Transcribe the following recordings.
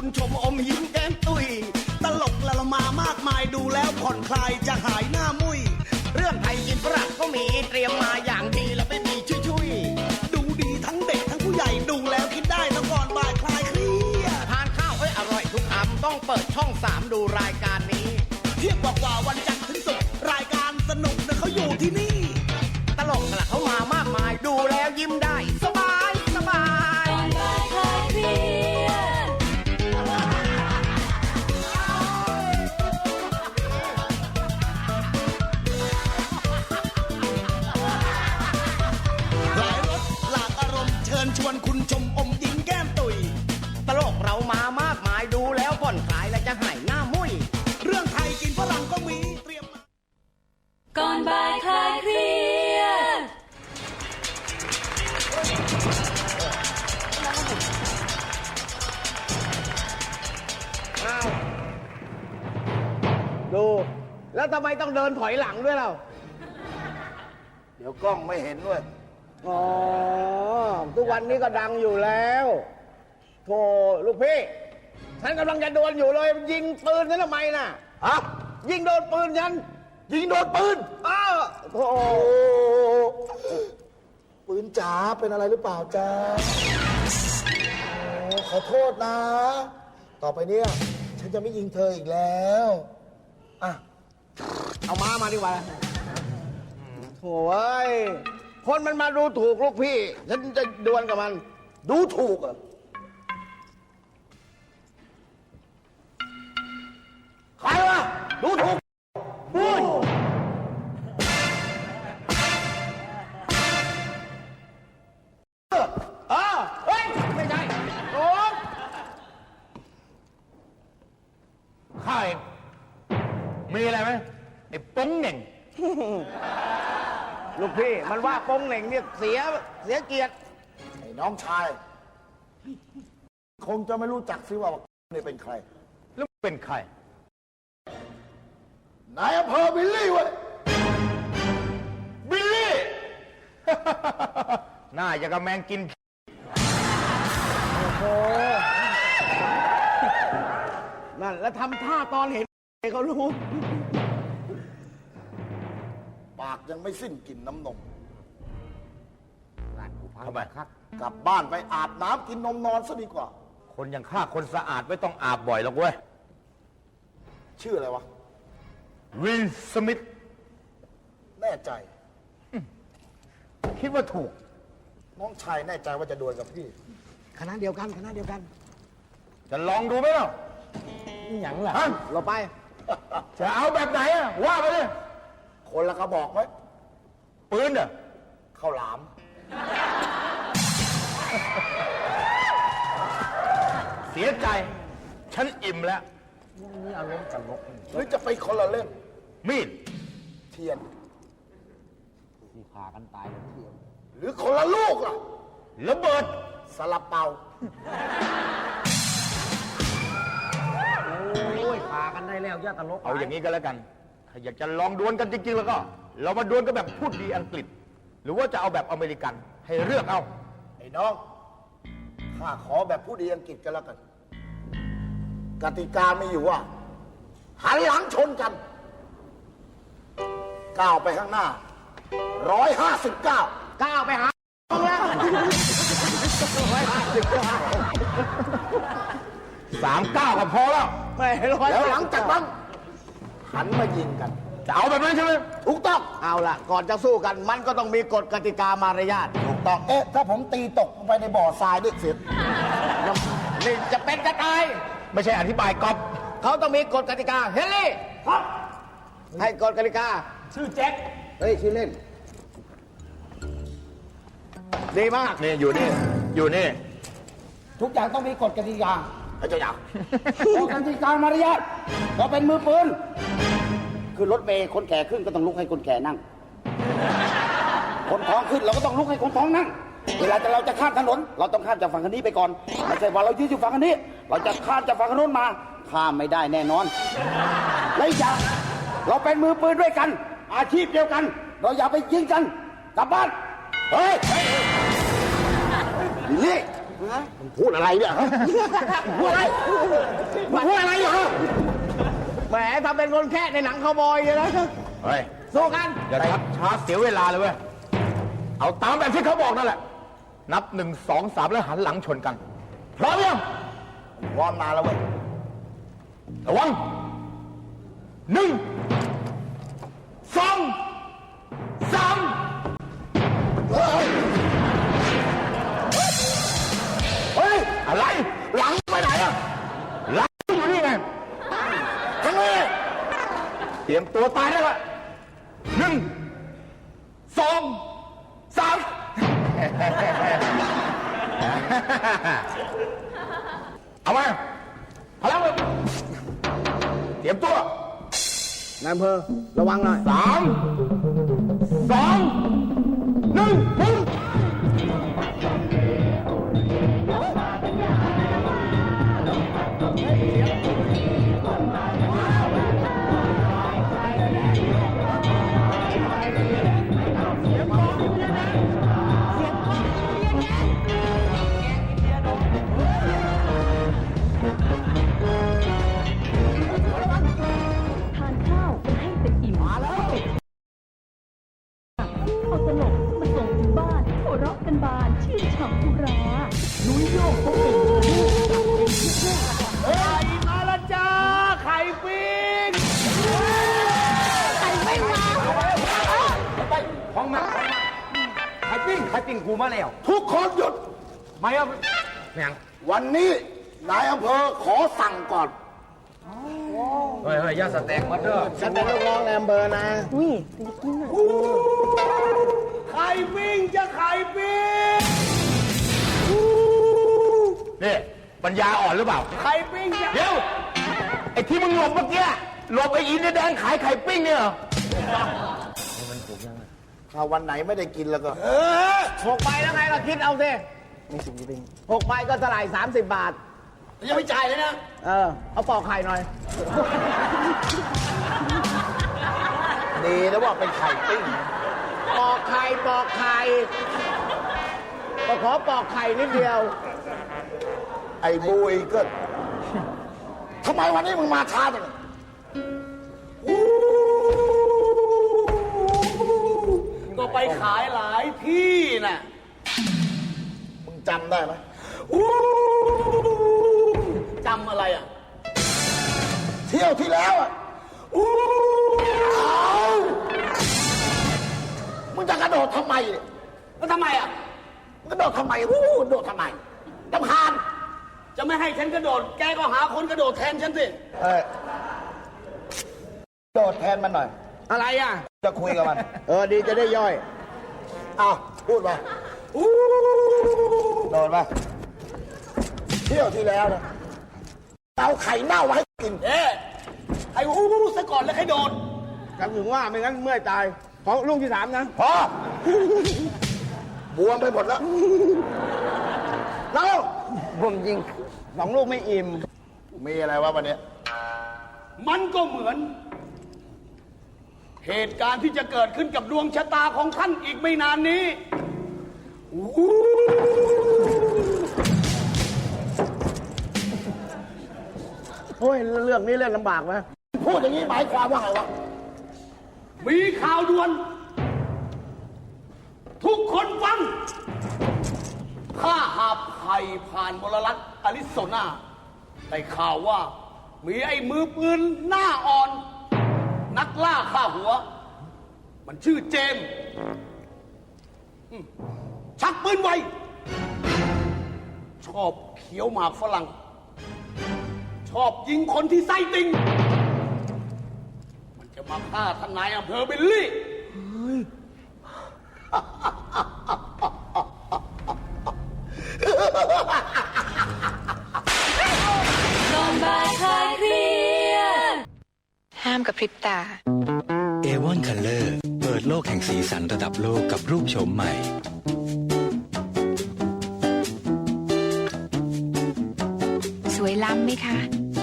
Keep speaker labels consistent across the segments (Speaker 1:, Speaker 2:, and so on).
Speaker 1: ชมอมยิ้มแก้มตุยตลกละละมามากมายดูแล้วผ่อนคลายจะหายหน้ามุย
Speaker 2: เรื่องไทยกินฝรั่งก็มีเตรียมมาอย่างดีแล้วไม่มีชุย
Speaker 1: ดูดีทั้งเด็กทั้งผู้ใหญ่ดูแล้วคิดได้ต้องก่อนบ่ายคลายเครียด
Speaker 2: ทานข้าวอร่อยทุกคำต้องเปิดช่อง3ดูรายการนี้
Speaker 1: เที่ยงกว่าวันจันทร์ถึงศุกร์รายการสนุกนะเขาอยู่ที่นี่
Speaker 2: ตลกละเขามามากมายดูแล้วยิ้มได้สบายสบาย
Speaker 1: ชวนคุณชมอมยิ้มแก้มตุย
Speaker 2: ตลกเรามามากมายดูแล้วผ่อนคลายและจะหายหน้ามุ้ย
Speaker 1: เรื่องไทยกินฝรั่งก็มีเตรียมมา
Speaker 3: ก่อนบ่ายคลายเครียด
Speaker 2: ดูแล้วทำไมต้องเดินถอยหลังด้วยเรา
Speaker 4: เดี๋ยวกล้องไม่เห็นด้วย
Speaker 2: อ๋อทุกวันนี้ก็ดังอยู่แล้วโธ่ลูกพี่ฉันกำลังจะโดนอยู่เลยยิงปืนฉันทำไมน่ะ
Speaker 4: ฮะ
Speaker 2: ยิงโดนปืนฉัน
Speaker 4: ยิงโดนปืน
Speaker 2: โธ่
Speaker 4: ปืนจ๋าเป็นอะไรหรือเปล่าจ๊ะขอโทษนะต่อไปเนี่ยฉันจะไม่ยิงเธออีกแล้ว
Speaker 2: เอามาดีกว่าโถ่เอ้ยคนมันมาดูถูกลูกพี่ฉันจะดวลกับมัน
Speaker 4: ดูถูกอ่ะใครวะดูถูกพูด
Speaker 2: เฮ้ยไม่ใช่โอ้
Speaker 5: ใครมีอะไรไหมไอ้ป้งเหน่ง
Speaker 2: ลูกพี่มันว่าปงเหน่งเนี่ยเสียเกียรติ
Speaker 4: ไอ้น้องชายคงจะไม่รู้จักซิว่านี่เป็นใคร
Speaker 5: แล้วเป็นใคร
Speaker 4: นายอำเภอบิลลี่เว้ย
Speaker 5: บิลลี่ น่าจะกระแมงกิน
Speaker 2: โอ้โหนั่นแล้วทำท่าตอนเห็นเขารู้
Speaker 4: ปากยังไม่สิ้นกลิ่นน้ำนม
Speaker 5: ทำไมครับ
Speaker 4: กลับบ้านไปอาบน้ำกินนมนอนซะดีกว่า
Speaker 5: คนอย่างข้าคนสะอาดไม่ต้องอาบบ่อยหรอกเว้ย
Speaker 4: ชื่ออะไรวะ
Speaker 5: วิลสมิธ
Speaker 4: แน่ใจ
Speaker 5: คิดว่าถูก
Speaker 4: น้องชายแน่ใจว่าจะดวลกับพี่
Speaker 2: คณะเดียวกัน
Speaker 5: จะลองดูไหมล่ะ
Speaker 2: อย่างล่ะเราไป
Speaker 5: จะเอาแบบไหนอะว่าไปเลย
Speaker 4: คนละกระบอกไหม
Speaker 5: ปืนอะ
Speaker 4: ข้าวหลาม
Speaker 5: เสียใจฉันอิ่มแล้ว
Speaker 2: นี่อารมณ์ตลก
Speaker 4: หรือจะไปคนละเล่ม
Speaker 5: มีด
Speaker 4: เทียน
Speaker 2: ที่ขากันตายเทียน
Speaker 4: หรือคนละลูกล่ะ
Speaker 5: ระเบิด
Speaker 4: สลับเป่า
Speaker 2: โอ้ยขากันได้แล้วย่าตลก
Speaker 5: เอาอย่างนี้ก็แล้วกันถ้าอยากจะลองดวลกันจริงๆแล้วก็เรามาดวลกันแบบพูดดีอังกฤษหรือว่าจะเอาแบบอเมริกันให้เลือกเอา
Speaker 4: ไอ้น้องข้าขอแบบพูดดีอังกฤษกันแล้วกันกติกาไม่อยู่ว่าหันหลังชนกันก้าวไปข้างหน้า159
Speaker 2: ก้าวไปหาแล้ว
Speaker 5: 39ก็พอแล้ว
Speaker 4: แล้วหลังจากนั้นหันมายิงกัน
Speaker 5: จะเอาแบบนั้นใช่ไหม
Speaker 4: ถูกต้อง
Speaker 2: เอาล่ะก่อนจะสู้กันมันก็ต้องมีกฎกติกามารยาท
Speaker 4: ถูกต้องถ้าผมตีตกไปในบ่อทรายด้วยเสร็จ
Speaker 2: นี่จะเป็นจะตาย
Speaker 5: ไม่ใช่อธิบายก๊อฟ
Speaker 2: เขาต้องมีกฎกติกาเฮนรี่ครับให้กฎกติกา
Speaker 5: ชื่อแจ็ค
Speaker 2: เฮ้ยชื่อเล่นดีมาก
Speaker 5: นี่อยู่นี่
Speaker 2: ทุกอย่างต้องมีกฎกติกา
Speaker 4: ไอ้เจ้าอยาก
Speaker 2: กฎกติกามารยาทเราเป็นมือปืนคือรถเมย์คนแก่ขึ้นก็ต้องลุกให้คนแก่นั่งคนท้องขึ้นเราก็ต้องลุกให้คนท้องนั่งเวลาเราจะข้ามถนนเราต้องข้ามจากฝั่งนี้ไปก่อนไม่ใช่ว่าเรายืนอยู่ฝั่งนี้เราจะข้ามจากฝั่งนู้นมาข้ามไม่ได้แน่นอนและอีกอย่างเราเป็นมือปืนด้วยกันอาชีพเดียวกันเราอย่าไปยิงกันกลับบ้าน
Speaker 4: เฮ้ยนี่มึงพูดอะไรเนี่ยฮะพูดอะไรมึงพูดอะไรเหรอ
Speaker 6: แหมทำเป็นคนแค่ในหนังคาวบอยเลยนะ
Speaker 5: เฮ้ย
Speaker 6: สู้กัน
Speaker 5: อย่าชักช้าเสียเวลาเลยเว้ย เอาตามแบบที่เขาบอกนั่นแหละ นับ 1 2 3 แล้วหันหลังชนกัน พร้อมยัง
Speaker 4: พร้อมนานแล้วเว้ย
Speaker 5: ระวัง 1 2 3 เฮ้ย อะไร หลังไปไหนอะหลังอยู่นี่ไงทั้งนี้เตรียมตัวตายได้ละ1 2 3 เอามาพลังเลยเตรียมตัวน
Speaker 6: ายอำเภอระวังหน่อย
Speaker 5: 3 2 1ปุ๊บ
Speaker 7: ทานข้าวกันให้เต็มอิ่มเอาตลกมาส่งถึงบ้านหัวเราะกันบานชื่นฉ่ำทุรานุ้ยโยกก็เป็นลูกจับเป็นทุกเรื่อง
Speaker 6: ไข่มาละจ้า ไข่ปิ้ง
Speaker 5: ห้องมาไข่ปิ้งกูมาแล้ว
Speaker 4: ทุกคนหยุด
Speaker 5: ไม่เอาเนี่ย
Speaker 4: วันนี้นายอำเภอขอสั่งก่อน
Speaker 5: เฮ้ยย่าสแต็กมาเด้อ
Speaker 6: ฉันเป็นลูกน้องนายอำเภอนะ
Speaker 1: ไข่ปิ้งจะไข่ปิ้ง
Speaker 5: นี่ปัญญาอ่อนหรือเปล่า
Speaker 1: ไข่ปิ้งจะ
Speaker 5: เดี๋ยว ไอ้ที่มึงหลบเมื่อกี้หลบไอ้อินเดียแดงขายไข่ปิ้งเนี่ยเหรอ
Speaker 4: ถ้าวันไหนไม่ได้กินแล้วก็
Speaker 6: 6 ใบแล้วไงก็คิดเอาสิ6 ใบก็เท่าไหร่30 บาท
Speaker 1: ยังไม่จ่ายเลยนะ
Speaker 6: เอาปอกไข่หน่อย
Speaker 4: ดีนะว่าเป็นไข่ปิ้ง
Speaker 6: ปอกไข่ก็ขอปอกไข่นิดเดียว
Speaker 4: ไอ้บูอีเกิลทำไมวันนี้มึงมาช้าจัง
Speaker 1: ก็ไปขายหลายที่น่ะ
Speaker 4: มึงจำได้ไหม
Speaker 1: จำอะไรอ่ะ
Speaker 4: เที่ยวที่แล้วอ่ะมึงจะกระโดดทำไมเนี่ย
Speaker 1: แล้วทำไมอ่ะ
Speaker 4: กระโดดทำไมโดดทำไมรำคาญ
Speaker 1: จะไม่ให้ฉันกระโดด แกก็หาคนกระโดดแทนฉันสิ
Speaker 4: โดดแทนมันหน่อย
Speaker 6: อะไรอ่ะ
Speaker 4: จะคุยกับมัน
Speaker 6: ดีจะได้ย่อย
Speaker 4: อ้าวพูดมาโดดมาเที่ยวที่แล้วนะเอาไข่เน่ามาให้กิน
Speaker 1: ไอ้ซะก่อนแล้วใครโดด
Speaker 6: กันถึงว่าไม่งั้นเมื่อยตาย ของลูกที่ 3 นะ
Speaker 4: พอบวมไปหมดแล้วแล้ว
Speaker 6: ผมยิง2 ลูกไม่อิ่ม
Speaker 4: มีอะไรวะวันนี้
Speaker 1: มันก็เหมือน เหตุการณ์ที่จะเกิดขึ้นกับดวงชะตาของท่านอีกไม่นานนี้
Speaker 6: โอ้ย เรื่องนี้เล่นลำบากไหม
Speaker 4: พูดอย่างนี้หมายความว่าไงวะ
Speaker 1: มีข่าวด่วน ทุกคนฟัง ข้าหาภัยผ่านมลรัฐอริโซนาได้ข่าวว่า มีไอ้มือปืนหน้าอ่อน นักล่าฆ่าหัว มันชื่อเจมส์ชักปืนไว ชอบเขียวหมากฝรั่ง ชอบยิงคนที่ไส้ติ่ง มันจะมาฆ่าทนายอำเภอเบลลี่
Speaker 3: ก่อนบ่ายคลายเครียด
Speaker 8: ห้ามกระพริบตา
Speaker 9: เอวอนคัลเลอร์เปิดโลกแห่งสีสันระดับโลกกับรูปโฉมใหม่
Speaker 8: สวยล้ำไหมคะ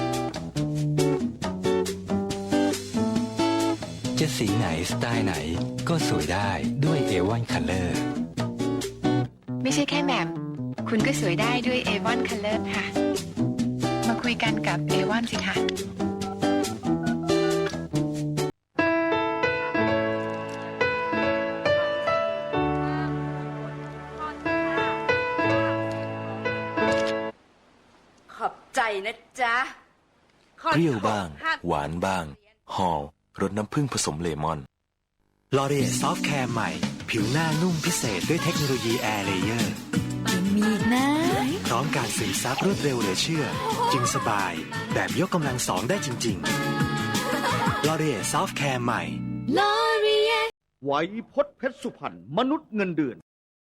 Speaker 9: จะสีไหนสไตล์ไหนก็สวยได้ด้วยเอวอนคัลเลอร์
Speaker 8: ไม่ใช่แค่แหม่มคุณก็สวยได้ด้วย Avon Color ค่ะ มาคุยกันกับ Avon สิคะ
Speaker 3: ขอบใจนะจ๊ะ
Speaker 10: เปรี้ยวบ้าง หวานบ้าง หอมรสน้ำผึ้งผสมเลมอน
Speaker 9: ลอรีเอซอฟต์แคร์ใหม่ ผิวหน้านุ่มพิเศษด้วยเทคโนโลยีแอร์เลเยอร์
Speaker 3: ยังมีอีกนะ
Speaker 9: พร้อมการซึมซับรวดเร็วเหลือเชื่อ จึงสบายแบบยกกำลังสองได้จริงๆลอรีเอซอฟต์แคร์ใหม่
Speaker 3: L'Oreal
Speaker 1: ไวยพจน์เพชรสุพรรณมนุษย์เงินเดือน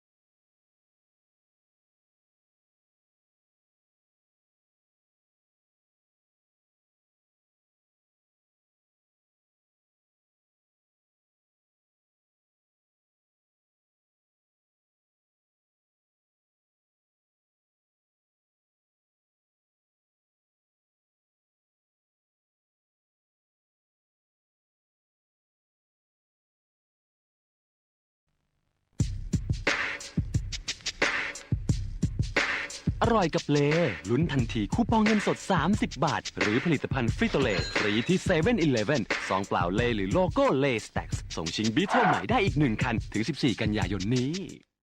Speaker 11: อร่อยกับเลลุ้นทันทีคูปองเงินสด30 บาทหรือผลิตภัณฑ์ฟริโตเลฟรีที่7-11ซองเปล่าเลหรือโลโก้เลสแต็กส่งชิงบีเทิลใหม่ได้อีก1 คันถึง14 กันยายนนี้